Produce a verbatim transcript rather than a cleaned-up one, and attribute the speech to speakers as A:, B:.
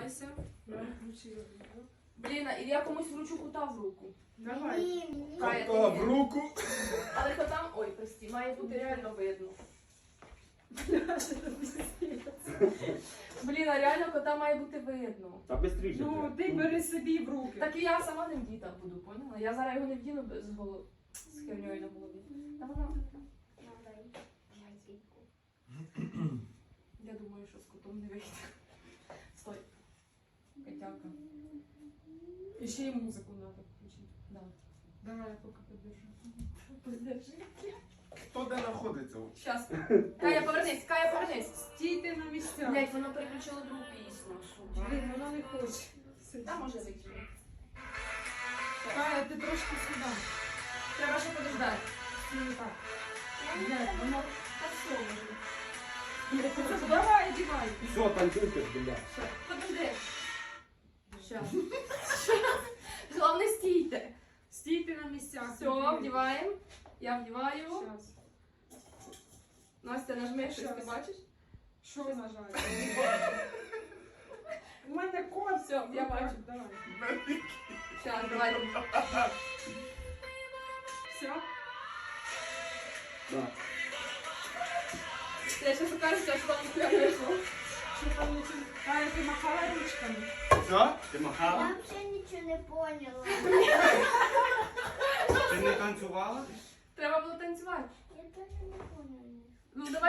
A: Тримайся. Я включила.
B: Блін, а я комусь вручу кота в руку.
A: Давай.
B: Кая,
C: Кота
B: ти
C: в
B: ні.
C: руку.
B: Але котам, ой, прості, має бути реально видно. Блін, а реально кота має бути видно.
D: Та бистріше.
A: Ну, ти бери собі в руки.
B: Так і я сама не вдіта буду, поняла? Я зараз його не вдіну з голови. З херньою на голові. Та вона... Я думаю, що з котом не вийде. Стой. Котяка.
A: І ще й музику треба включити.
B: Да.
A: Давай, я поки подержу.
B: Подержи.
C: Хто де знаходиться?
B: Щас. Кая, повернись, Кая, повернись.
A: Стійте на місцях.
B: Блять, воно переключило другу пісню.
A: Блін, вона не хоче.
B: Та може вийти.
A: Кая, ти трошки сюди.
B: Треба ще подождати.
A: Ну, так. Блядь, воно...
B: Та все може.
A: Давай, одівай.
D: Все, танцюйте, бля.
B: Все, подожди. Щас. Щас. Головне стійте.
A: Стійте на місцях.
B: Все, вдіваємо. Я вдіваю.
A: Щас.
B: Настя, нажми щось, ти
A: Щас.
B: бачиш?
A: Що нажати? У мене кот.
B: Все, я бачу.
A: Давай.
B: Щас, давай.
A: Все?
D: Да.
B: Я ще покажу, що там не вийшло.
A: Що там не чую? Кая, ти махала ручками?
C: Все?
D: Ти махала?
E: Я вообще ничего не поняла.
D: Ти не танцювала?
B: Треба було танцювати.
E: Я тоже не поняла.
B: Ну, давай.